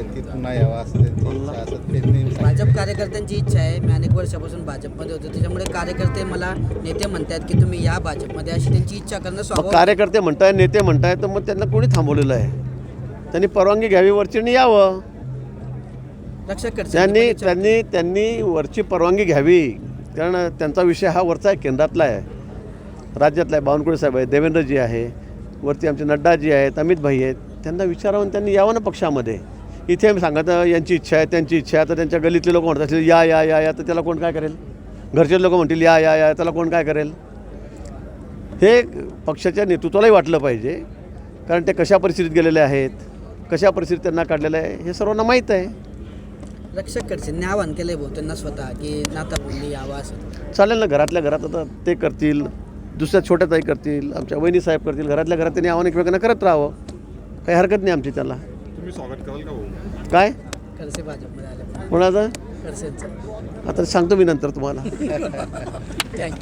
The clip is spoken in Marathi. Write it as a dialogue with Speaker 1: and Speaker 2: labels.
Speaker 1: आहेत की पुन्हा यावा असं त्यांची इच्छा असं ते नेहमी सांगतात.
Speaker 2: भाजप कार्यकर्त्यांची इच्छा आहे. मी अनेक वर्षापासून भाजपमध्ये होतो, त्याच्यामुळे कार्यकर्ते मला नेते म्हणतात की तुम्ही या भाजपमध्ये, अशी त्यांची इच्छा करणं
Speaker 3: मग
Speaker 2: स्वाभाविक.
Speaker 3: कार्यकर्ते म्हणताय, नेते म्हणताय, तर मग त्यांना कोणी थांबवलेलं आहे? त्यांनी परवानगी घ्यावी, वरचीने यावं.
Speaker 2: रक्षक खडसे
Speaker 3: त्यांनी वरची परवानगी घ्यावी, कारण त्यांचा विषय हा वरचा आहे, केंद्रातला आहे, राज्यातला आहे. बावनकुळे साहेब आहे, देवेंद्रजी आहे, वरती आमचे नड्डाजी आहेत, अमितभाई आहेत. त्यांना विचारावं आणि त्यांनी यावं ना पक्षामध्ये. इथे सांगत यांची इच्छा आहे, त्यांची इच्छा आहे, तर त्यांच्या गलीतले लोक म्हणतात या या या या, तर त्याला कोण काय करेल? घरचे लोक म्हणतील या या या, त्याला कोण काय करेल? हे पक्षाच्या नेतृत्वालाही वाटलं पाहिजे, कारण ते कशा परिस्थितीत गेलेले आहेत, कशा परिस्थितीत त्यांना काढलेलं आहे हे सर्वांना माहीत आहे.
Speaker 2: रक्षक खडसेंनी आवाहन केलंय भाऊ त्यांना स्वतः की नाताबंदी यावा असं.
Speaker 3: चालेल ना, घरातल्या घरात आता ते करतील, दुसऱ्या छोट्या ताई करतील, आमच्या वहिनी साहेब करतील, घरातल्या घरात त्यांनी आव्हान एकमेकांना करत राहावं, काही हरकत नाही आमची त्याला.
Speaker 4: तुम्ही स्वागत कराल का भाऊ?
Speaker 3: काय
Speaker 2: खडसे भाजपमध्ये आले.
Speaker 3: कोणाचं
Speaker 2: खडसेंचं.
Speaker 3: आता सांगतो मी नंतर तुम्हाला.
Speaker 2: थँक्यू.